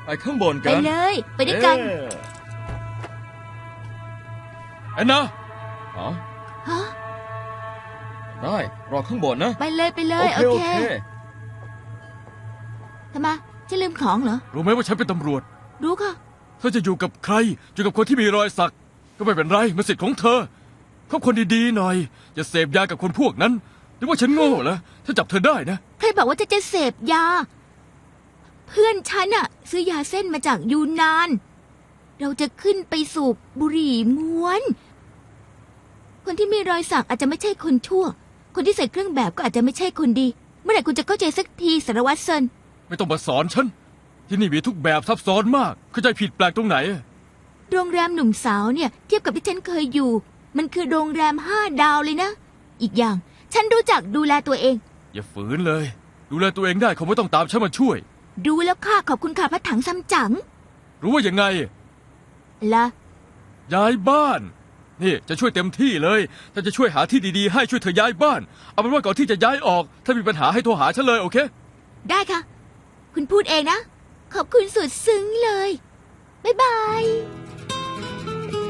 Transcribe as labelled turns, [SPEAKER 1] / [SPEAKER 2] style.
[SPEAKER 1] ไปข้างบน
[SPEAKER 2] ไป
[SPEAKER 1] กัน
[SPEAKER 2] เลยไปด้วยกัน
[SPEAKER 3] แอนนา
[SPEAKER 1] อ๋อ
[SPEAKER 2] ฮะ
[SPEAKER 1] ได้รอข้างบนนะ
[SPEAKER 2] ไปเลยไปเล
[SPEAKER 1] โอย เคโอเค
[SPEAKER 2] ทำไมจะลืมของเหรอ
[SPEAKER 3] รู้ไหมว่าฉันเป็นตำรวจ
[SPEAKER 2] รู้ค่ะ
[SPEAKER 3] เธอจะอยู่กับใครอยู่กับคนที่มีรอยสัก ก็ไม่เป็นไรมันสิทธิ์ของเธอคบคนดีๆหน่อย อย่าเสพยากับคนพวกนั้นหรือว่าฉันโง่เหรอถ้าจับเธอได้นะ
[SPEAKER 2] ใครบอกว่าจะเสพยา เพื่อนฉันอะซื้อยาเส้นมาจากยูนนาน เราจะขึ้นไปสูบบุหรี่ม้วน คนที่มีรอยสักอาจจะไม่ใช่คนชั่ว คนที่ใส่เครื่องแบบก็อาจจะไม่ใช่คนดี เมื่อไหร่คุณจะเข้าใจสักทีสารวัตรเซิน
[SPEAKER 3] ไม่ต้องมาสอนฉันที่นี่มีทุกแบบซับซ้อนมากเข้าใจผิดแปลกตรงไหน
[SPEAKER 2] โรงแรมหนุ่มสาวเนี่ยเทียบกับที่ฉันเคยอยู่ มันคือโรงแรม5 ดาวเลยนะ อีกอย่างฉันรู้จักดูแลตัวเอง
[SPEAKER 3] อย่าฝืนเลย ดูแลตัวเองได้คงไม่ต้องตามฉันมาช่วย
[SPEAKER 2] ดูแล้วค่ะขอบคุณค่ะพระถังซัมจั๋ง
[SPEAKER 3] รู้ว่ายังไง
[SPEAKER 2] ละ
[SPEAKER 3] ย้ายบ้าน นี่จะช่วยเต็มที่เลยถ้าจะช่วยหาที่ดีๆให้ช่วยเธอย้ายบ้าน เอาเป็นว่าก่อนที่จะย้ายออก ถ้ามีปัญหาให้โทรหาฉันเลยโอเค
[SPEAKER 2] ได้ค่ะ คุณพูดเองนะ ขอบคุณสุดซึ้งเลย บ๊ายบาย